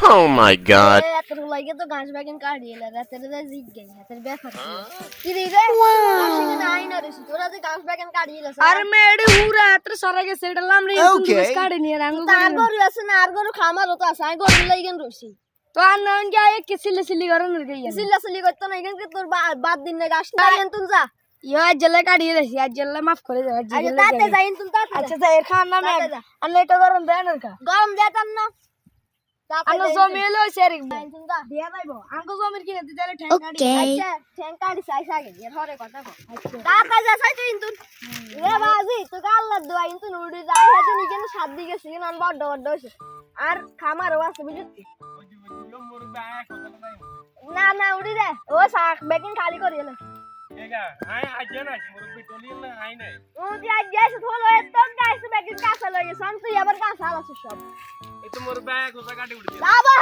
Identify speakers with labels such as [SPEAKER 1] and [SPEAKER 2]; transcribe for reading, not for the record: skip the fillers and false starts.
[SPEAKER 1] Oh my god.
[SPEAKER 2] এত লাগে তো গাছ বাগান কাটিয়ে এলে রাতের দা জিজ্ঞে হাতের ব্যাপার কি রে রে আসলে নাই না রে তোরা যে গাছ বাগান কাটিয়ে এলে
[SPEAKER 3] আর মেডি হুরা এত সারা গেছে এটা লামরি তুমি বস কাটে নিয়ে রাঙ্গু
[SPEAKER 2] তার গরু আছে না আর গরু খামারও তো আছে আমি গরু লাগেন রসি
[SPEAKER 3] তো আর নান গিয়ে কি সিলে সিলি করেন গিয়ে
[SPEAKER 2] সিল্লাসিলি করতে না এখানে তোর বাদ দিন না গাছ না তুই যা
[SPEAKER 3] ইয়া জেলে কাটিয়ে দেছি আর জেলে মাফ করে দাও
[SPEAKER 2] আচ্ছা তাতে যাইন তুমি তাতে
[SPEAKER 3] আচ্ছা তাই এর খান নামে আর এটা গরম দেন এর কা
[SPEAKER 2] গরম যেতাম না
[SPEAKER 3] আনো জমি এলো সেরিক
[SPEAKER 2] তুমি যা
[SPEAKER 3] দিয়া যাইবো আঙ্গো জমির কিনে দিতে তাহলে ঠ্যাং কাটি
[SPEAKER 2] আচ্ছা ঠ্যাংকাড়ি চাই সাগে এর হরে কথা কো তাতে যা চাই তুই ইনতুন রে বাজি তুই আল্লাহর দোয়া ইনতুন উড়ি যাই হাতে নিকে না সাত দিকে সিন আন বড় বড় হইছে আর খামারও আছে বুঝছিস না না উড়ি রে ও শাক বেকিং খালি করি এলো
[SPEAKER 4] এগা আই আজে না মুরব্বি টলিল না আই নাই
[SPEAKER 2] ও দি আজ যাইছ থলো এতন গাইছ বেকিং কাঁচা লাগে সন তুই আবার কাঁচা আছে সব
[SPEAKER 4] এই তো মোর ব্যাগ ওটা কাটি উঠছে
[SPEAKER 2] বাবা